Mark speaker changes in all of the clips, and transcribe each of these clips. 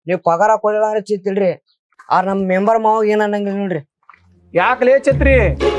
Speaker 1: ನೀವ್ ಪಗಾರ ಕೊಡಲ್ಲ ಅಂದ್ರೆ ಚಿತ್ತಿಲ್ರಿ ನಮ್ ಮೆಂಬರ್ ಮಾವ ಏನ್ ಅನ್ನಂಗಿಲ್ಲ ನೋಡ್ರಿ.
Speaker 2: ಯಾಕಲೇ ಛತ್ರಿ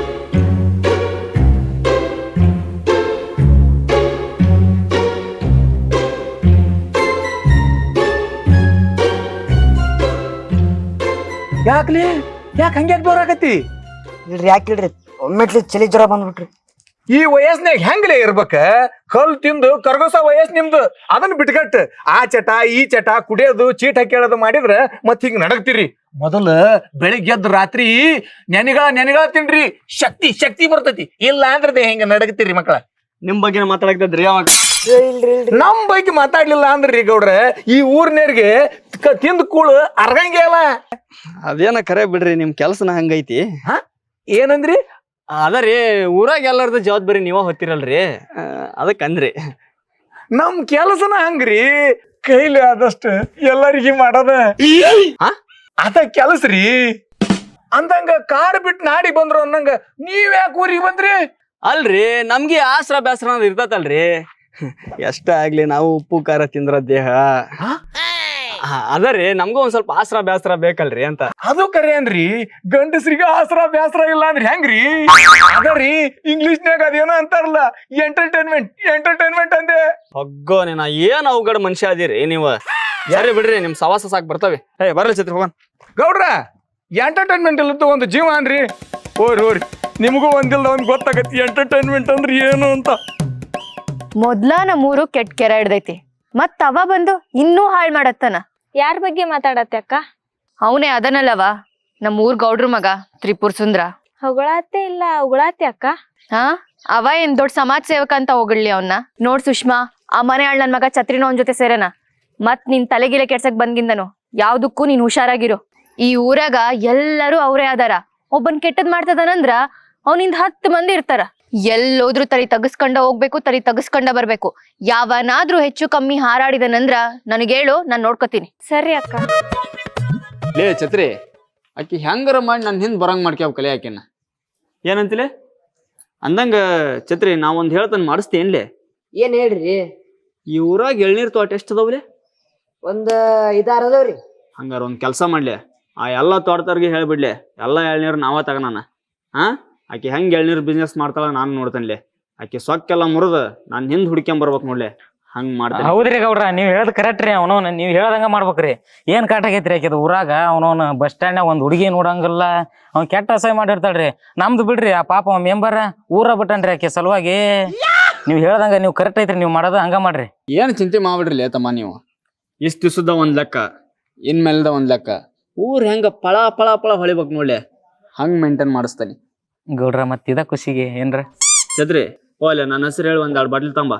Speaker 2: ಯಾಕಲೇ ಯಾಕೆ ಹಂಗ್ಯಾಕ್ ಬರಾಕತ್ತಿ?
Speaker 1: ಇಲ್ರಿ ಯಾಕಿಲ್ರಿ ಒಮ್ಮೆಟ್ಲಿ ಚಳಿ ಜ್ವರ ಬಂದ್ಬಿಟ್ರಿ.
Speaker 2: ಈ ವಯಸ್ಸಿನಾಗ ಹೆಂಗ್ಲೇ ಇರ್ಬೇಕ? ಕಲ್ ತಿಂದು ಕರ್ಗೋಸ ವಯಸ್ ನಿಮ್ದು. ಅದನ್ನ ಬಿಟ್ಕಟ್ ಆ ಚಟ ಈ ಚಟ ಕುಡಿಯೋದು ಚೀಟ್ ಹಾಕೇಳೋದು ಮಾಡಿದ್ರ ಮತ್ ಹಿಂಗ್ ನಡಗ್ತಿರಿ. ಮೊದಲ ಬೆಳಿಗ್ಗೆ ಎದ್ದು ರಾತ್ರಿ ನೆನೆಗಳ ತಿನ್ರಿ, ಶಕ್ತಿ ಬರ್ತೈತಿ. ಇಲ್ಲ ಅಂದ್ರೆ ಹೆಂಗ ನಡಗ್ತಿರಿ ಮಕ್ಕಳ.
Speaker 3: ನಿಮ್ ಬಗ್ಗೆ ಮಾತಾಡಕ್ತದ್ರಿ ಅವಾಗ.
Speaker 1: ಇಲ್ರಿ ಇಲ್ರಿ
Speaker 2: ನಮ್ ಬಗ್ಗೆ ಮಾತಾಡ್ಲಿಲ್ಲ ಅಂದ್ರಿ ಗೌಡ್ರ ಈ ಊರ್ನೇರ್ಗೆ ತಿಂದ್ ಕೂಳು ಅರ್ಗಂಗೆ ಅಲ್ಲ.
Speaker 3: ಅದೇನ ಕರೆ ಬಿಡ್ರಿ, ನಿಮ್ ಕೆಲ್ಸನ ಹಂಗೈತಿ.
Speaker 2: ಏನಂದ್ರಿ?
Speaker 3: ಅದರಿ ಊರಾಗ ಎಲ್ಲಾರ್ದು ಜವಾಬ್ದಾರಿ ನೀವ ಹೊತ್ತಿರಲ್ರಿ, ಅದಕ್ಕಂದ್ರಿ.
Speaker 2: ನಮ್ ಕೆಲ್ಸನ ಹಂಗ್ರಿ, ಕೈಲಿ ಆದಷ್ಟು ಎಲ್ಲರಿಗಿ ಮಾಡೋದ ಅದ ಕೆಲಸ್ರಿ. ಅಂದಂಗ ಕಾಡ್ ಬಿಟ್ಟು ನಾಡಿ ಬಂದ್ರು ಅನ್ನಂಗ ನೀವ್ ಯಾಕೆ ಊರಿಗೆ ಬಂದ್ರಿ?
Speaker 3: ಅಲ್ರಿ ನಮ್ಗೆ ಆಸರ ಬ್ಯಾಸರ ಅನ್ನೋದು ಇರ್ತತಲ್ರಿ. ಎಷ್ಟ ಆಗ್ಲಿ ನಾವು ಉಪ್ಪು ಖಾರ ತಿಂದ್ರ ದೇಹ ಅದರಿ, ನಮ್ಗೂ ಒಂದ್ ಸ್ವಲ್ಪ ಆಸರ ಬ್ಯಾಸರ ಬೇಕಲ್ರಿ ಅಂತ.
Speaker 2: ಅದು ಕರೆ ಅನ್ರಿ, ಗಂಡಸ್ರಿಗೆ ಆಸರ ಬ್ಯಾಸರ ಇಲ್ಲ ಅಂದ್ರೆ ಹೆಂಗ್ರಿ? ಅದರಿ ಇಂಗ್ಲಿಷ್ನ್ಯಾಗ ಅದೇನೋ ಅಂತಾರಲ್ಲ, ಎಂಟರ್ಟೈನ್ಮೆಂಟ್ ಅಂದೆ.
Speaker 3: ಹೊಗ್ಗೋ ನೀನ ಏನ್ ಅವಗಡ ಮನುಷ್ಯ ಅದೀರಿ ನೀವು. ಸರಿ ಬಿಡ್ರಿ, ನಿಮ್ ಸವಾಸ ಸಾಕ್ ಬರ್ತವೆ. ಬರ್ಲಿ ಛತ್ರಿ ಹೋಗೋಣ.
Speaker 2: ಗೌಡ್ರ ಎಂಟರ್ಟೈನ್ಮೆಂಟ್ ಇಲ್ಲದ ಒಂದು ಜೀವ ಅನ್ರಿ. ಹೋರಿ ನಿಮಗೂ ಒಂದಿಲ್ದ ಒಂದ್ ಗೊತ್ತಾಗತ್ತಿ ಎಂಟರ್ಟೈನ್ಮೆಂಟ್ ಅಂದ್ರೆ ಏನು ಅಂತ.
Speaker 4: ಮೊದ್ಲ ನಮ್ಮೂರು ಕೆಟ್ಟ ಕೆರ ಹಿಡ್ದೈತಿ, ಮತ್ ಅವ ಬಂದು ಇನ್ನೂ ಹಾಳ್ ಮಾಡತ್ತನ.
Speaker 5: ಯಾರ ಬಗ್ಗೆ ಮಾತಾಡತ್ತೆ ಅಕ್ಕ?
Speaker 4: ಅವನೇ ಅದನಲ್ಲವ ನಮ್ಮೂರ್ ಗೌಡ್ರ ಮಗ ತ್ರಿಪುರ್ ಸುಂದ್ರ.
Speaker 5: ಹೊಗಳಾತೆ ಇಲ್ಲ ಉಗಳಾತೆ ಅಕ್ಕ?
Speaker 4: ಅವ ಏನ್ ದೊಡ್ಡ ಸಮಾಜ ಸೇವಕ ಅಂತ ಹೋಗ್ಲಿ ಅವನ್ನ. ನೋಡ್ ಸುಷ್ಮಾ, ಆ ಮನೆ ಆಳ್ ನನ್ ಮಗ ಛತ್ರಿನೋ ಅವನ್ ಜೊತೆ ಸೇರೇನ. ಮತ್ ನಿನ್ ತಲೆಗಿಲೆ ಕೆಡ್ಸಕ್ ಬಂದ್ಗಿಂದನು ಯಾವ್ದಕ್ಕೂ ನೀನ್ ಹುಷಾರಾಗಿರು. ಈ ಊರಾಗ ಎಲ್ಲರೂ ಅವ್ರೇ ಅದಾರ. ಒಬ್ಬನ್ ಕೆಟ್ಟದ್ ಮಾಡ್ತದನಂದ್ರ ಅವನಿಂದ 10 ಮಂದಿ ಇರ್ತಾರ. ಎಲ್ಲೋದ್ರು ತರಿ ತಗಸ್ಕೊಂಡ ಹೋಗ್ಬೇಕು, ತರಿ ತಗಸ್ಕೊಂಡ ಬರ್ಬೇಕು. ಯಾವನಾದ್ರೂ ಹೆಚ್ಚು ಕಮ್ಮಿ ಹಾರಾಡಿದನಂದ್ರ ನನಗೇಳು, ನಾನ್ ನೋಡ್ಕೋತೀನಿ.
Speaker 5: ಸರಿ ಅಕ್ಕ.
Speaker 3: ಲೇ ಛತ್ರಿ, ಆಕಿ ಹೆಂಗಾರ ಮಾಡಿ ನನ್ ಹಿಂದ್ ಬರಂಗ್ ಮಾಡ್ಕ್ಯಾವ ಕಲೆ ಆಕಿನ. ಏನಂತಿಲೆ ಅಂದಂಗ ಛತ್ರಿ, ನಾವೊಂದ್ ಹೇಳ್ತಾನ ಮಾಡಿಸ್ತೇನ್ಲೆ?
Speaker 1: ಏನ್ ಹೇಳ್ರಿ?
Speaker 3: ಈ ಊರಾಗ ಎಳ್ನೀರ್ ತೋಟ ಎಷ್ಟ್ ಅದಾವ್ಲೆ?
Speaker 1: ಒಂದ್ 5-6 ಅದಾವ್ರಿ.
Speaker 3: ಹಂಗಾರ ಒಂದ್ ಕೆಲ್ಸ ಮಾಡ್ಲಿ, ಆ ಎಲ್ಲಾ ತೋಟದವ್ರಿಗೆ ಹೇಳ್ಬಿಡ್ಲಿ, ಎಲ್ಲಾ ಎಳ್ನೀರ್ ನಾವ ತಗನಾನ. ಆಕಿ ಹೆಂಗ್ ಎಳ್ನೀರ್ ಬಿಸ್ನೆಸ್ ಮಾಡ್ತಾಳ ನಾನು ನೋಡ್ತೇನ್ಲಿ. ಆಕಿ ಸೊಕ್ಕೆಲ್ಲ ಮುರಿದ ನಾನ್ ಹಿಂದ್ ಹುಡ್ಕ್ಯಾಂಬ ಬರ್ಬೇಕು ನೋಡ್ಲಿ, ಹಂಗ್ ಮಾಡ್ತೇನೆ.
Speaker 6: ಹೌದ್ರಿ ಗೌಡ್ರ, ನೀವ್ ಹೇಳದ್ ಕರೆಕ್ಟ್ ರೀ. ಅವನವನ್ ನೀವ್ ಹೇಳ್ದಂಗ ಮಾಡ್ಬೇಕ್ರಿ. ಏನ್ ಕಾಟ ಆಗೈತ್ರಿ ಆಕಿದ ಊರಾಗ? ಅವನವನ್ ಬಸ್ ಸ್ಟ್ಯಾಂಡ್ನಾಗ ಒಂದ್ ಹುಡುಗಿ ನೋಡಂಗಿಲ್ಲ, ಅವ್ನ್ ಕೆಟ್ಟ ಅಸಹ್ಯ ಮಾಡಿರ್ತಾಳ್ರಿ. ನಮ್ದು ಬಿಡ್ರಿ, ಆ ಪಾಪ ಮೆಂಬರ್ ಊರ ಬಿಟ್ಟನ್ರಿ ಆಕಿ ಸಲುವಾಗಿ. ನೀವ್ ಹೇಳ್ದಂಗ ನೀವ್ ಕರೆಕ್ಟ್ ಐತ್ರಿ, ನೀವ್ ಮಾಡೋದ ಹಂಗ ಮಾಡ್ರಿ.
Speaker 3: ಏನ್ ಚಿಂತೆ ಮಾಡ್ಬಿಡ್ರಿ ತಮ್ಮ ನೀವು. ಇಷ್ಟ ದಿವಸದ ಒಂದ್ ಲೆಕ್ಕ, ಇನ್ಮೇಲ್ದ ಒಂದ್ ಲೆಕ್ಕ. ಊರ್ ಹೆಂಗ ಪಳ ಪಳ ಪಳ ಹೊಳಿಬೇಕು ನೋಡ್ಲಿ, ಹಂಗ್ ಮೇಂಟೈನ್ ಮಾಡಿಸ್ತಾನೆ
Speaker 6: ಗೌಡ್ರ. ಮತ್ ಇದ ಖುಷಿಗೆ ಏನ್ರ
Speaker 3: ಛತ್ರಿ ಹೋಗ್ಲಿ, ನನ್ನ ಹೆಸರು ಹೇಳಿ 1-2 ಬಾಟ್ಲಿ ತಂಬ.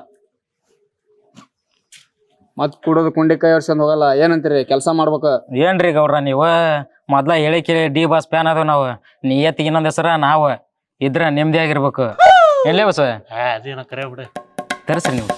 Speaker 3: ಮತ್ ಕುಡೋದು ಕುಂಡಿ ಕೈ ಹೊಡ್ಸ್ಕೊಂಡ್ ಹೋಗಲ್ಲ. ಏನಂತೀರಿ? ಕೆಲಸ ಮಾಡ್ಬೇಕು.
Speaker 6: ಏನ್ರಿ ಗೌಡ್ರ, ನೀವು ಮೊದ್ಲ ಹೇಳಿ ಕೇಳಿ ಡಿ ಬಾಸ್ ಫ್ಯಾನ್ ಅದಾವ ನಾವು. ನಿಯತ್ತಿಗೆ ಇನ್ನೊಂದ್ ಹೆಸರ ನಾವು ಇದ್ರ ನೆಮ್ಮದಿ ಆಗಿರ್ಬೇಕು. ಎಲ್ಲೇ ಬಸ
Speaker 7: ಅದೇನ ಕರೆ ಬಿಡ.
Speaker 6: ತರ್ಸ್ರಿ ನೀವು.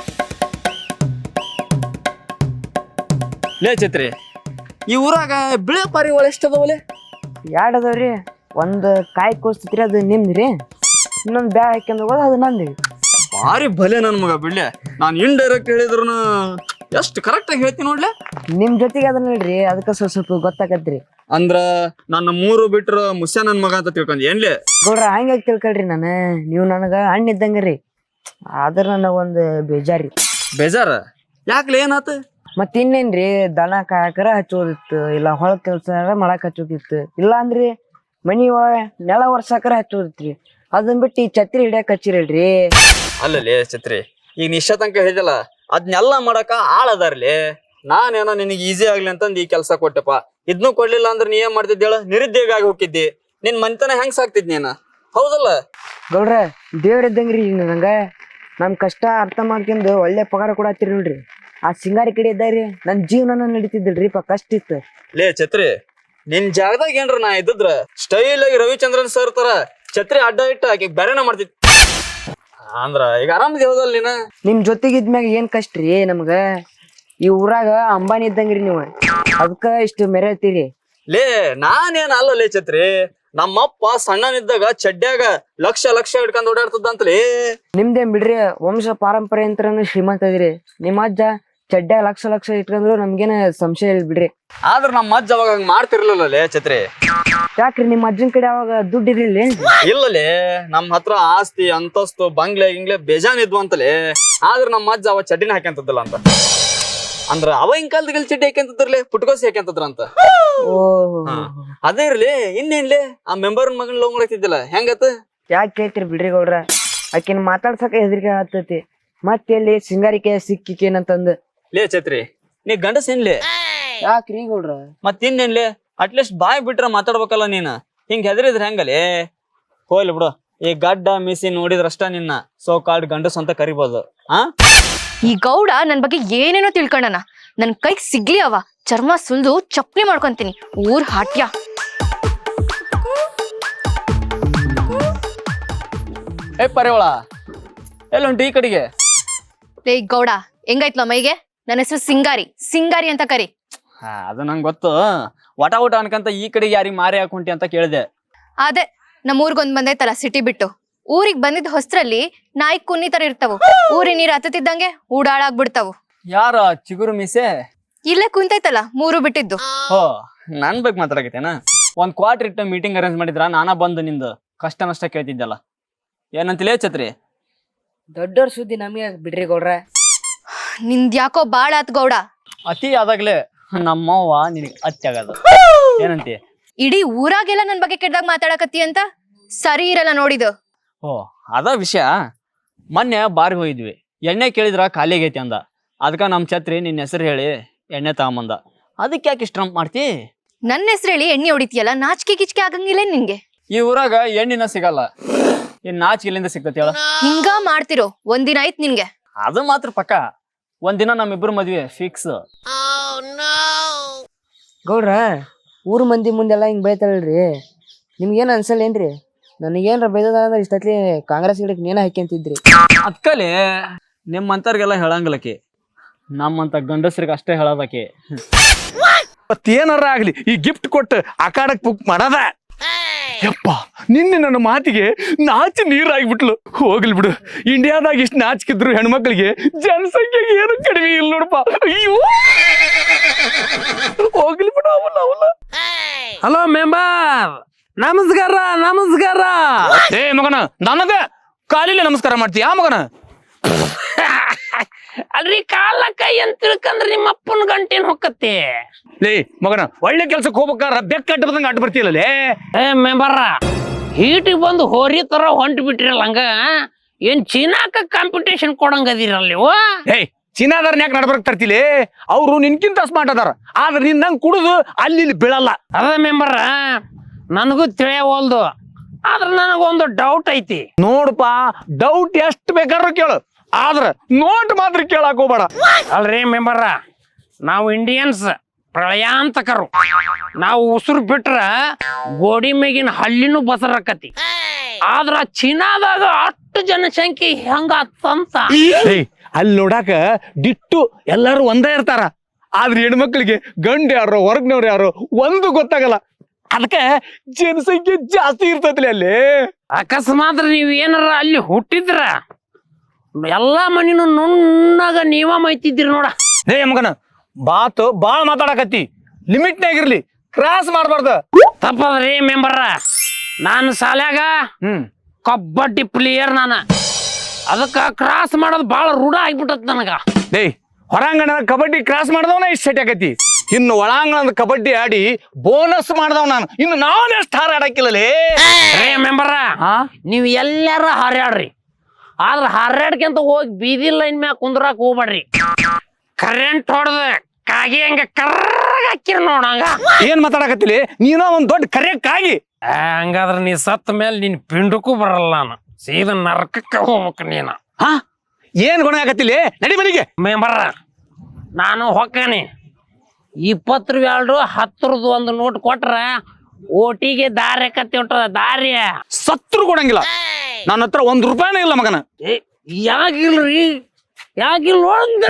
Speaker 3: ಲೇ ಛತ್ರಿ, ಈ ಊರಾಗ ಬಿಳೆ ಪಾರಿವಾಳ ಎಷ್ಟ ಅದಾವಲೆ?
Speaker 1: 2 ಅದಾವ್ರಿ. ಒಂದ್ ಕಾಯಿ ಕೋಸ್ತೈತ್ರಿ, ಅದು ನಿಮ್ದ್ರಿ. ಇನ್ನೊಂದ್ ಬ್ಯಾಗ್ ಹಾಕ್ಯಂಡ್ ಹೋಗೋದು ಅದು ನಂದ್ರಿ.
Speaker 3: ಭಾರಿ ಭಲೆ ನನ್ ಮಗ ಬಿಡ್ಲೆ. ನಾನ್ ಇಂಡೈರೆಕ್ಟ್ ಹೇಳಿದ್ರು ಎಷ್ಟು ಕರೆಕ್ಟ್ ಆಗಿ ಹೇಳ್ತೀನಿ ನೋಡ್ಲೆ.
Speaker 1: ನಿಮ್ ಜೊತೆಗೆ ಅದನ್ನ ಹೇಳ್ರಿ, ಅದಕ್ಕ ಸ್ವಲ್ಪ ಗೊತ್ತಾಗತ್ರಿ.
Speaker 3: ಅಂದ್ರ ನನ್ನ 3 ಬಿಟ್ರ ಮುಸ್ಯ ನನ್ ಮಗ ಅಂತ ತಿಳ್ಕೊಂಡ್ ಏನ್ಲೆ?
Speaker 1: ಗೌಡ್ರ ಹಂಗಾಗಿ ತಿಳ್ಕೊಳ್ರಿ, ನೀವು ನನಗ ಹಣ್ಣು ಇದ್ದಂಗ್ರಿ. ಆದ್ರ ನನಗ ಒಂದ್ ಬೇಜಾರಿ.
Speaker 3: ಬೇಜಾರ ಯಾಕ್ಲೆ? ಏನಾತ?
Speaker 1: ಮತ್ ಇನ್ನೇನ್ರಿ, ದನ ಕಾಯಕರ ಹಚ್ಚೋದಿತ್ತು, ಇಲ್ಲ ಹೊಳ ಕೆಲ್ಸ ಮಾಡಕ್ ಹಚ್ಚೋದಿತ್ತು, ಇಲ್ಲ ಅಂದ್ರಿ ಮನಿ ಒಳಗ ನೆಲ ಒರ್ಸಾಕರ ಹಚ್ಚೋದಿತ್ರಿ. ಅದನ್ ಬಿಟ್ಟು ಈ ಛತ್ರಿ ಹಿಡಿಯಕ್ ಹಚ್ಚಿರಲ್ರಿ.
Speaker 3: ಅಲ್ಲಲೇ ಛತ್ರಿ, ಈಗ ನಿಶ್ಚ ತನಕ ಹೇಳಿದಲ್ಲ, ಅದ್ನೆಲ್ಲ ಮಾಡಕ ಆಳದಾರ್ಲಿ. ನಾನೇನೋ ನಿನಗೆ ಈಸಿ ಆಗ್ಲಿ ಅಂತಂದ್ ಈ ಕೆಲ್ಸ ಕೊಟ್ಟೆಪ್ಪ. ಇದ್ನು ಕೊಡ್ಲಿಲ್ಲ ಅಂದ್ರೆ ನೀ ಏನ್ ಮಾಡ್ತಿದ್ದೇಳ? ನಿರುದ್ಯೋಗ ಆಗಿ ಹೋಗಿದ್ದಿ. ನಿನ್ ಮನಿತನ ಹೆಂಗ್ ಸಾಕ್ತಿದ್ ನೀನ? ಹೌದಲ್ಲ
Speaker 1: ಗೌಡ್ರ? ದೇವ್ರ ಇದ್ದಂಗ್ರಿ ನಂಗ. ನಮ್ ಕಷ್ಟ ಅರ್ಥ ಮಾಡ್ಕೊಂಡು ಒಳ್ಳೆ ಪಗಾರ ಕೂಡ ಹತ್ತಿರಿ ನೋಡ್ರಿ. ಆ ಸಿಂಗಾರಿ ಕಡೆ ಇದ್ದಾರಿ ನನ್ ಜೀವನ ನಡೀತಿದ್ದಿಲ್ರಿ, ಕಷ್ಟ ಇತ್ತು.
Speaker 3: ಲೇ ಛತ್ರಿ, ನಿನ್ ಜಾಗದಾಗ ಏನ್ರ ನಾ ಇದ್ದಿದ್ರ ಸ್ಟೈಲ್ ಆಗಿ ರವಿಚಂದ್ರನ್ ಸರ್ ತರ ಛತ್ರಿ ಅಡ್ಡ ಇಟ್ಟ ಆಕಿ ಬೇರೆನ ಮಾಡ್ತಿದ್. ಅಂದ್ರ ಈಗ ಆರಾಮದಿ ಹೌದಲ್ ನೀನ?
Speaker 1: ನಿಮ್ ಜೊತೆಗಿದ್ಮ್ಯಾಗ ಏನ್ ಕಷ್ಟ ರೀ ನಮ್ಗ. ಈ ಊರಾಗ ಅಂಬಾನಿ ಇದ್ದಂಗ್ರಿ ನೀವು, ಅದಕ್ಕ ಇಷ್ಟು ಮೆರೆತೀರಿ.
Speaker 3: ಲೇ ನಾನೇನ್ ಅಲ್ಲಲೇ ಛತ್ರಿ, ನಮ್ಮಪ್ಪ ಸಣ್ಣನಿದ್ದಾಗ ಚಡ್ಡ್ಯಾಗ ಲಕ್ಷ ಹಿಡ್ಕೊಂಡ್ ಓಡಾಡ್ತದಂತಲೇ.
Speaker 1: ನಿಮ್ದೇನ್ ಬಿಡ್ರಿ, ವಂಶ ಪಾರಂಪರೆ ಅಂತ ಶ್ರೀಮಂತ ಅದಿರಿ. ನಿಮ್ಮ ಅಜ್ಜ ಚಡ್ಡ್ಯಾಗ ಲಕ್ಷ ಲಕ್ಷ ಇಟ್ಕೊಂಡ್ರು ನಮ್ಗೇನ ಸಂಶಯ ಇಲ್ಲ ಬಿಡ್ರಿ.
Speaker 3: ಆದ್ರ ನಮ್ಮ ಅಜ್ಜ ಅವಾಗ ಹಂಗ ಮಾಡ್ತಿರ್ಲಿಲ್ಲಲೇ ಛತ್ರಿ.
Speaker 1: ಯಾಕ್ರಿ ನಿಮ್ಮ ಅಜ್ಜನ್ ಕಡೆ ಅವಾಗ ದುಡ್ಡು ಇರ್ಲಿಲ್ಲ?
Speaker 3: ಇಲ್ಲಲೇ ನಮ್ಮ ಹತ್ರ ಆಸ್ತಿ ಅಂತಸ್ತು ಬಂಗ್ಲೆ ಗಿಂಗ್ಲೆ ಬೇಜಾನ್ ಇದ್ವು ಅಂತಲೇ. ಆದ್ರ ನಮ್ಮ ಅಜ್ಜ ಅವ ಚಡ್ಡಿನ ಹಾಕ್ಯಂತದ್ದಲ್ಲ ಅಂತ. ಅಂದ್ರ ಅವಾಗಿನ ಕಾಲದಲ್ಲಿ ಚಡ್ಡಿ ಹಾಕ್ಯಂತದ್ರಲೇ, ಪುಟ್ಕೋಸಿ ಹಾಕ್ಯಂತದ್ರ ಅಂತ.
Speaker 1: ಓಹೋ,
Speaker 3: ಅದೇ ಇರ್ಲಿ ಇನ್ನೇನ್ಲಿ ಆ ಮೆಂಬರ್ ಮಗನ್ ಲವ್ ಮಾಡಕ್ತಿದ್ದಿಲ್ಲ ಹೆಂಗತ್ತ?
Speaker 1: ಯಾಕೆ ಕೇಳ್ತೀರಿ ಬಿಡ್ರಿ ಗೌಡ್ರ, ಆಕಿನ ಮಾತಾಡ್ಸಕ ಹೆದರಿಕೆ ಆಗ್ತೈತಿ. ಮತ್ತೆ ಎಲ್ಲಿ ಸಿಂಗಾರಿಕೆ ಸಿಕ್ಕಿಕೇನಂತಂದು.
Speaker 3: ಲೇ ಛತ್ರಿ, ನೀ ಗಂಡಸ್ ಏನ್ಲಿ?
Speaker 1: ಯಾಕ್ರಿ ಗೌಡ್ರ?
Speaker 3: ಮತ್ತಿನ್ನೇನ್ಲಿ ಅಟ್ಲೀಸ್ಟ್ ಬಾಯ್ ಬಿಟ್ರ ಮಾತಾಡ್ಬೇಕಲ್ಲ ನೀನ್. ಹಿಂಗ್ ಹೆದರಿದ್ರ ಹೆಂಗಲೇ? ಹೋಗ್ಲಿ ಬಿಡು, ಈ ಗಡ್ಡ ಮಿಸಿ ನೋಡಿದ್ರಷ್ಟ ನಿನ್ನ ಸೋ ಕಾಲ್ಡ್ ಗಂಡಸ್ ಅಂತ ಕರಿಬೋದು.
Speaker 4: ಈ ಗೌಡ ನನ್ ಬಗ್ಗೆ ಏನೇನೋ ತಿಳ್ಕೊಂಡನ. ನನ್ ಕೈಗ್ ಸಿಗ್ಲಿ ಅವ, ಚರ್ಮ ಸುಲ್ದು ಚಪ್ಲಿ ಮಾಡ್ಕೊಂತೀನಿ. ಊರ್ ಹಾಟ್ಯ.
Speaker 3: ಏ ಪರೇವಳ, ಎಲ್ಲುಂಟು ಈ ಕಡೆಗೆ?
Speaker 4: ಲೇ ಗೌಡ, ಹೆಂಗಾಯ್ತಲ ಮೈಗೆ? ನನ್ನ ಹೆಸರು ಸಿಂಗಾರಿ, ಸಿಂಗಾರಿ ಅಂತ ಕರಿ.
Speaker 3: ಅದು ನಂಗೆ ಗೊತ್ತು. ವಟ ಊಟ ಅನ್ಕಂತ ಈ ಕಡೆಗೆ ಯಾರಿಗೆ ಮಾರಿ ಹಾಕೊಂಟಿ ಅಂತ ಕೇಳಿದೆ.
Speaker 4: ಅದೇ ನಮ್ಮ ಊರ್ಗೊಂದ್ ಬಂದೈತಲ್ಲ ಸಿಟಿ ಬಿಟ್ಟು. ಊರಿಗ್ ಬಂದಿದ್ ಹೊಸ್ತ್ರಲ್ಲಿ ನಾಯಿ ಕುನ್ನಿ ತರ ಇರ್ತಾವು. ಊರಿನ ನೀರ್ ಹತ್ತತಿದ್ದಂಗೆ ಊಡಾಳಾಗ್ಬಿಡ್ತಾವು.
Speaker 3: ಯಾರ ಚಿಗುರು ಮೀಸೆ?
Speaker 4: ಇಲ್ಲೇ ಕುಂತೈತಲ್ಲ ಮೂರು ಬಿಟ್ಟಿದ್ದು.
Speaker 3: ಹೋ, ನನ್ ಬಗ್ಗೆ ಮಾತಾಡಕತ್ತೇನ? ಒಂದ್ ಕ್ವಾರ್ಟರ್ ಇಟ್ಟು ಮೀಟಿಂಗ್ ಅರೇಂಜ್ ಮಾಡಿದ್ರ ನಾನಾ ಬಂದು ನಿಂದು ಕಷ್ಟ ನಷ್ಟ ಕೇಳ್ತಿದ್ದಲ್ಲ. ಏನಂತಲೇ ಛತ್ರಿ?
Speaker 1: ದೊಡ್ಡವ್ರ ಸುದ್ದಿ ನಮಗೆ ಬಿಡ್ರಿ ಗೌಡ್ರ.
Speaker 4: ನಿಂದ್ ಯಾಕೋ ಬಾಳ ಆತ್ ಗೌಡ.
Speaker 3: ಅತಿ ಆದಾಗ್ಲೇ ನಮ್ಮವ್ವ ನಿನಗೆ ಅತ್ತಿ ಆಗದ. ಏನಂತಿ?
Speaker 4: ಇಡೀ ಊರಾಗೆಲ್ಲ ನನ್ ಬಗ್ಗೆ ಕೆಟ್ಟದಾಗ ಮಾತಾಡಕತ್ತಿ ಅಂತ. ಸರಿ ಇರಲ್ಲ ನೋಡಿದು.
Speaker 3: ಓ, ಅದ ವಿಷಯ. ಮೊನ್ನೆ ಬಾರಿ ಹೋಗಿದ್ವಿ, ಎಣ್ಣೆ ಕೇಳಿದ್ರ ಖಾಲಿ ಆಗೈತಿ ಅಂದ. ಅದಕ್ಕ ನಮ್ ಛತ್ರಿ ನಿನ್ನ ಹೆಸರು ಹೇಳಿ ಎಣ್ಣೆ ತಗೊಂಬಂದ. ಅದಕ್ಕೆ ಯಾಕೆ ಇಷ್ಟ ಮಾಡ್ತಿ?
Speaker 4: ನನ್ನ ಹೆಸರು ಹೇಳಿ ಎಣ್ಣೆ ಹೊಡಿತೀಯಲ್ಲ, ನಾಚಿಕೆ ಕಿಚ್ಕೆ ಆಗಂಗಿಲ್ಲ ನಿನ್ಗೆ.
Speaker 3: ಈ ಊರಾಗ ಎಣ್ಣಿನ ಸಿಗಲ್ಲ, ಇನ್ ನಾಚಿಕೆ ಎಲ್ಲಿಂದ ಸಿಗ್ತತಿ ಹೇಳ?
Speaker 4: ಹಿಂಗ ಮಾಡ್ತಿರೋ ಒಂದಿನ ಆಯ್ತು ನಿನ್ಗೆ.
Speaker 3: ಅದು ಮಾತ್ರ ಪಕ್ಕ. ಒಂದಿನ ನಮ್ಮಿಬ್ರು ಮದ್ವೆ ಫಿಕ್ಸ್.
Speaker 1: ಗೌಡ್ರ, ಊರ್ ಮಂದಿ ಮುಂದೆಲ್ಲ ಹಿಂಗ್ ಬೈತಾಳಲ್ರಿ, ನಿಮ್ಗೇನ್ ಅನ್ಸಲ್ಲೇನ್ರಿ? ನನಗೇನ್ರ ಬೈದದ ಅಂದ್ರೆ ಇಷ್ಟತ್ಲಿ ಕಾಂಗ್ರೆಸ್ ಗಿಡಕ್ಕೆ ನೇನ ಹಾಕ್ಯಂತಿದ್ರಿ.
Speaker 3: ಅಕ್ಕಲೆ ನಿಮ್ಮಂತರ್ಗೆಲ್ಲ ಹೇಳಂಗಿಲ್ಲಕಿ, ನಮ್ಮಂತ ಗಂಡಸ್ರಿಗೆ ಅಷ್ಟೇ ಹೇಳೋದಕಿ.
Speaker 2: ಮತ್ತೇನಾರ ಆಗ್ಲಿ ಈ ಗಿಫ್ಟ್ ಕೊಟ್ಟು ಆಕಾಡಕ್ ಬುಕ್ ಮಾಡದ. ಯಪ್ಪ, ನಿನ್ನೆ ನನ್ನ ಮಾತಿಗೆ ನಾಚಿ ನೀರಾಗ್ಬಿಟ್ಲು. ಹೋಗ್ಲಿ ಬಿಡು, ಇಂಡಿಯಾದಾಗ ಇಷ್ಟು ನಾಚಿಕಿದ್ರು ಹೆಣ್ಮಕ್ಳಿಗೆ ಜನಸಂಖ್ಯೆಗೆ ಏನು ಕಡಿಮೆ ಇಲ್ಲ ನೋಡಪ್ಪ. ಅಯ್ಯೋ, ಹೋಗ್ಲಿ ಬಿಡು. ಅವಲ್ಲ
Speaker 6: ಹಲೋ ಮೆಂಬರ್, ನಮಸ್ಕಾರ ನಮಸ್ಕಾರ.
Speaker 2: ಏ ಮಗನ, ನನಗ ಕಾಲಿಲ್ಲ ನಮಸ್ಕಾರ ಮಾಡ್ತೀಯ ಮಗನ?
Speaker 6: ಅಲ್ರಿ ಕಾಲ ಕೈ ಅಂತ ತಿಳ್ಕಂದ್ರ ನಿಮ್ಮ ಅಪ್ಪನ ಗಂಟೇನ್ ಹೊಕ್ಕತ್ತೆ.
Speaker 2: ಲೇ ಮಗನ, ಒಳ್ಳೆ ಕೆಲ್ಸಕ್ಕೆ ಹೋಗ್ಬೇಕಾರ ಬೆಕ್ಕ ಅಡ್ಡ ಬದಂಗ ಅಡ್ಡ ಬರ್ತೀಯಲ್ಲೇ.
Speaker 6: ಏ ಮೆಂಬರ, ಹೀಟಿಗೆ ಬಂದು ಹೋರಿ ತರ ಹೊಂಟ್ ಬಿಟ್ರಿಲ್ಲ ಹಂಗ. ಏನ್ ಚೀನಾಕ ಕಾಂಪಿಟೇಷನ್ ಕೊಡಂಗದಿರಲ್ಲ ನೀವು?
Speaker 2: ಏಯ್, ಚೀನಾದಾರನ್ ಯಾಕೆ ನಡ್ಬರ್ಕ್ ತರ್ತಿಲಿ? ಅವ್ರು ನಿನ್ಕಿಂತ ಸ್ಮಾರ್ಟ್ ಅದಾರ, ಆದ್ರೆ ನಿನ್ ನಂಗೆ ಕುಡಿದು ಅಲ್ಲಿ ಇಲ್ಲಿ ಬೀಳಲ್ಲ.
Speaker 6: ಅದ ಮೆಂಬರ, ನನಗೂ ತಿಳಿಯವಲ್ದು. ಆದ್ರ ನನಗೊಂದು ಡೌಟ್ ಐತಿ.
Speaker 2: ನೋಡಪ್ಪ, ಡೌಟ್ ಎಷ್ಟು ಬೇಕಾದ್ರೂ ಕೇಳು, ಆದ್ರ ನೋಟ್ ಮಾತ್ರ ಕೇಳಕ್ ಹೋಗ್ಬೇಡ.
Speaker 6: ಅಲ್ರಿ ಮೆಂಬರ, ನಾವು ಇಂಡಿಯನ್ಸ್ ಪ್ರಳಯಾಂತಕರು. ನಾವು ಉಸಿರು ಬಿಟ್ರ ಗೋಡಿ ಮೇಗಿನ ಹಳ್ಳಿನೂ ಬಸರಕತಿ. ಆದ್ರ ಚೀನಾದಾಗ ಅಷ್ಟು ಜನಸಂಖ್ಯೆ ಹೆಂಗಂತ.
Speaker 2: ಏಯ್, ಅಲ್ಲಿ ನೋಡಾಕ ಡಿಟ್ಟು ಎಲ್ಲಾರು ಒಂದೇ ಇರ್ತಾರ, ಆದ್ರೆ ಹೆಣ್ಮಕ್ಳಿಗೆ ಗಂಡ ಯಾರೋ ಹೊರಗ್ನವ್ರು ಯಾರೋ ಒಂದು ಗೊತ್ತಾಗಲ್ಲ. ಅದಕ್ಕೆ ಜನಸಂಖ್ಯೆ ಜಾಸ್ತಿ ಇರ್ತೈತ್ಲಿ ಅಲ್ಲಿ.
Speaker 6: ಅಕಸ್ಮಾತ್ ನೀವ್ ಏನಾರ ಅಲ್ಲಿ ಹುಟ್ಟಿದ್ರ ಎಲ್ಲಾ ಮನಿನೂ ನುಣ್ಣಾಗ ನೀವ ಮೈತಿದ್ರಿ ನೋಡ.
Speaker 2: ಏ ಮಗನ, ಬಾತು ಬಾಳ ಮಾತಾಡಕತ್ತಿ, ಲಿಮಿಟ್ನಾಗಿರ್ಲಿ, ಕ್ರಾಸ್ ಮಾಡ್ಬಾರ್ದ.
Speaker 6: ತಪ್ಪದ್ರಿ ಮೆಂಬರ, ನಾನು ಶಾಲ್ಯಾಗ ಕಬಡ್ಡಿ ಪ್ಲೇಯರ್ ನಾನ. ಅದಕ್ಕ ಕ್ರಾಸ್ ಮಾಡೋದು ಬಾಳ ರೂಢ ಆಗ್ಬಿಟ್ಟತ್ ನನಗ.
Speaker 2: ಏಯ್, ಹೊರಾಂಗಣ ಕಬಡ್ಡಿ ಕ್ರಾಸ್ ಮಾಡ್ದವನ ಇಷ್ಟ ಸೆಟ್ ಆಕತಿ, ಇನ್ನು ಒಳಾಂಗಣದ ಕಬಡ್ಡಿ ಆಡಿ ಬೋನಸ್ ಮಾಡ್ದವ್ ನಾನು. ಇನ್ನು ನಾನೆಷ್ಟು ಹಾರಾಡಕ್ಕಿಲ್ಲಲೇ.
Speaker 6: ರೇ ಮೆಂಬರ, ನೀವ್ ಎಲ್ಲಾರ ಹಾರ್ಯಾಡ್ರಿ, ಆದ್ರ ಹಾರ್ಯಾಡ್ಕಂತ ಹೋಗಿ ಬೀದಿ ಲೈನ್ ಮ್ಯಾಗ ಕುಂದ್ರಾಕ್ ಹೋಗ್ಬೇಡ್ರಿ. ಕರೆಂಟ್ ಹೊಡೆದ ಕಾಗಿ ಹಂಗ ಕರ್ರಗ್ ಹಾಕಿರ್ ನೋಡಂಗ.
Speaker 2: ಏನ್ ಮಾತಾಡಕತ್ತಿಲಿ ನೀನ? ಒಂದ್ ದೊಡ್ಡ ಕರೆಯಕ್ಕಾಗಿ.
Speaker 6: ಹಂಗಾದ್ರ ನೀ ಸತ್ತ ಮೇಲೆ ನಿನ್ ಪಿಂಡಕ್ಕೂ ಬರಲ್ಲ, ನಾನು ಸೀದಾ ನರಕಕ್ಕೆ ಹೋಗ್ಬೇಕು ನೀನ.
Speaker 2: ಹಾ, ಏನ್ ಗುಣ ಆಗತ್ತಿಲಿ? ನಡಿ ಮನೆಗೆ.
Speaker 6: ಮೆಂಬರ, ನಾನು ಹೊಕ್ಕನಿ 20 ರೂಪಾಯಿ 10 ಒಂದು ನೋಟ್ ಕೊಟ್ರ ಓಟಿಗೆ ದಾರಿ ಕತ್ತಿ ಹೊಂಟದ. ದಾರಿ
Speaker 2: ಸತ್ರು ಕೊಡಂಗಿಲ್ಲ. ನನ್ನ ಹತ್ರ 1 ರೂಪಾಯಿನೇ ಇಲ್ಲ ಮಗನ.
Speaker 6: ಯಾಕಿಲ್ರಿ? ಯಾಕಿಲ್ ನೋಡಿದ್ರೆ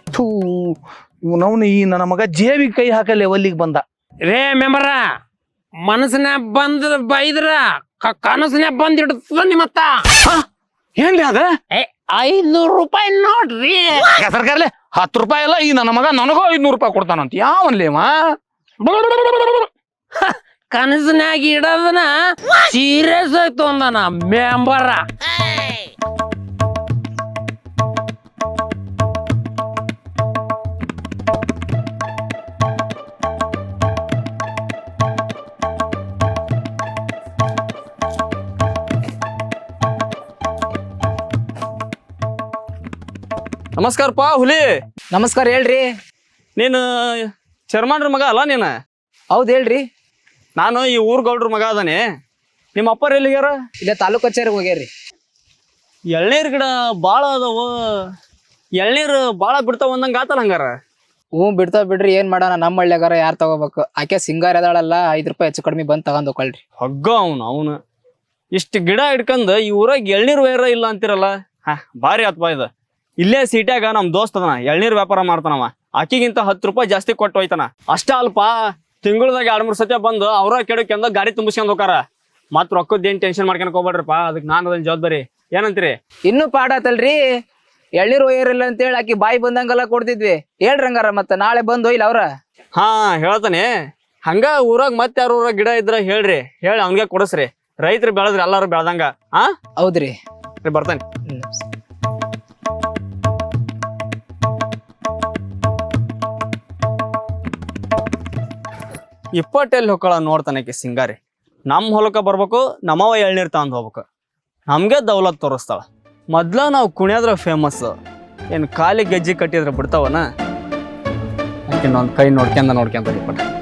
Speaker 2: ಇವನವನು ಈ ನನ್ನ ಮಗ ಜೇಬಿ ಕೈ ಹಾಕಲ್ಲ ಒಲ್ಲಿಗೆ ಬಂದ.
Speaker 6: ರೇ ಮೆಂಬರ,
Speaker 7: ಮನಸ್ಸಿನ ಬಂದ್ರ ಬೈದ್ರ ಕನಸಿನ ಬಂದಿಡ್ತದ ನಿಮ್ಮತ್ತ
Speaker 2: ಏನ್ಲಿ ಅದ
Speaker 7: 500 ರೂಪಾಯಿ ನೋಡ್ರಿ
Speaker 8: ಸರ್ಕಾರಲೆ 10 ರೂಪಾಯಿ ಎಲ್ಲ ಈ ನನ್ನ ಮಗ ನನಗೂ 500 ರೂಪಾಯಿ ಕೊಡ್ತಾನಂತ ಯಾವನ್ಲೇವ
Speaker 7: ಕನಸಿನಾಗ ಇಡೋದನ ಸೀರಿಯಸ್ ಆಗಿ ತೊಂದನ ಮೆಂಬರ
Speaker 3: ನಮಸ್ಕಾರಪ್ಪ ಹುಲಿ.
Speaker 1: ನಮಸ್ಕಾರ ಹೇಳ್ರಿ.
Speaker 3: ನೀನು ಚರ್ಮಾನ್ರ ಮಗ ಅಲ್ಲ ನೀನು?
Speaker 1: ಹೌದ್ ಹೇಳ್ರಿ.
Speaker 3: ನಾನು ಈ ಊರ್ ಗೌಡ್ರ ಮಗ ಅದಾನೆ. ನಿಮ್ಮ ಅಪ್ಪರ ಎಲ್ಲಿಗ್ಯಾರ?
Speaker 1: ಇಲ್ಲೇ ತಾಲೂಕ್ ಕಚೇರಿಗೆ ಹೋಗ್ಯಾರಿ.
Speaker 3: ಎಳ್ನೀರ್ ಗಿಡ ಬಾಳ ಅದಾವ, ಎಳ್ನೀರು ಬಾಳ ಬಿಡ್ತಾವ ಅಂದಂಗ ಆತಲ್ಲ ಹಂಗಾರ.
Speaker 9: ಹ್ಞೂ ಬಿಡ್ತಾವ ಬಿಡ್ರಿ, ಏನ್ ಮಾಡೋಣ ನಮ್ಮ ಹಳ್ಳಿಯಾಗಾರ ಯಾರು ತಗೋಬೇಕು? ಆಕೆ ಸಿಂಗಾರ ಅದಾಳಲ್ಲ, 5 ರೂಪಾಯಿ ಹೆಚ್ಚು ಕಡಿಮೆ ಬಂದು ತಗೊಂಡ್ ಹೋಗ್ಕೊಳ್ರಿ.
Speaker 3: ಹಗ್ಗ ಅವನು ಇಷ್ಟು ಗಿಡ ಹಿಡ್ಕಂದ್ ಈ ಊರಾಗ ಎಳ್ನೀರ್ ವೈರ ಇಲ್ಲ ಅಂತಿರಲ್ಲ. ಭಾರಿ ಆತ್ಪ ಇದು. ಇಲ್ಲೇ ಸೀಟ್ಯಾಗ ನಮ್ ದೋಸ್ತ್ ಅದನ, ಎಳ್ನೀರ್ ವ್ಯಾಪಾರ ಮಾಡ್ತಾನವ. ಆಕಿಗಿಂತ 10 ರೂಪಾಯಿ ಜಾಸ್ತಿ ಕೊಟ್ಟು ಹೋಯ್ತಾನ. ಅಷ್ಟ ಅಲ್ಪ, ತಿಂಗಳದಾಗ 2-3 ಸತಿ ಬಂದು ಅವ್ರ ಕೆಡಕ್ಕೆಂದ ಗಾಡಿ ತುಂಬಿಸ್ಕೊಂಡ್ ಹೋಗಾರ. ಮತ್ ರೊಕ್ಕದ್ದೇನ್ ಟೆನ್ಷನ್ ಮಾಡ್ಕೊಳಕ್ ಹೋಗ್ಬೇಡ್ರಪ್ಪ, ಅದಕ್ಕೆ ನಾನು ಅದನ್ನ ಜವಾಬ್ದಾರಿ. ಏನಂತೀರಿ?
Speaker 9: ಇನ್ನೂ ಪಾಡಾತಲ್ರಿ, ಎಳ್ನೀರ್ ಒಯ್ಯರಿಲ್ಲ ಅಂತ ಹೇಳಿ ಆಕಿ ಬಾಯಿ ಬಂದಂಗೆಲ್ಲ ಕೊಡ್ತಿದ್ವಿ. ಹೇಳ್ರಿ ಹಂಗಾರ ಮತ್ತೆ ನಾಳೆ ಬಂದು ಒಯ್ಲ ಅವ್ರ.
Speaker 3: ಹಾ ಹೇಳ್ತಾನೆ. ಹಂಗ ಊರಾಗ ಮತ್ತೆ ಯಾರ ಊರಾಗ ಗಿಡ ಇದ್ರ ಹೇಳ್ರಿ, ಹೇಳಿ ಅವ್ನಿಗೆ ಕೊಡಸ್ರಿ. ರೈತರು ಬೆಳೆದ್ರಿ ಎಲ್ಲಾರು ಬೆಳ್ದಂಗ.
Speaker 9: ಹೌದ್ರಿ,
Speaker 3: ಬರ್ತಾನೆ. ಇಪ್ಪಟ್ಟೆಲ್ಲಿ ಹೊಕ್ಕಳ ನೋಡ್ತಾನಕ್ಕೆ ಸಿಂಗಾರಿ. ನಮ್ಮ ಹೊಲಕ್ಕ ಬರ್ಬೇಕು, ನಮ್ಮವ ಎಳ್ನೀರ್ ತಗೊಂಡ್ ಹೋಗ್ಬೇಕು. ನಮ್ಗೆ ದೌಲತ್ ತೋರಿಸ್ತಾಳ. ಮೊದ್ಲ ನಾವು ಕುಣಿಯೋದ್ರ ಫೇಮಸ್. ಏನು ಖಾಲಿ ಗೆಜ್ಜಿ ಕಟ್ಟಿದ್ರೆ ಬಿಡ್ತಾವನ? ಇನ್ನೊಂದು ಕೈ ನೋಡ್ಕೊಂಡ ಇಪ್ಪಟ್ಟ.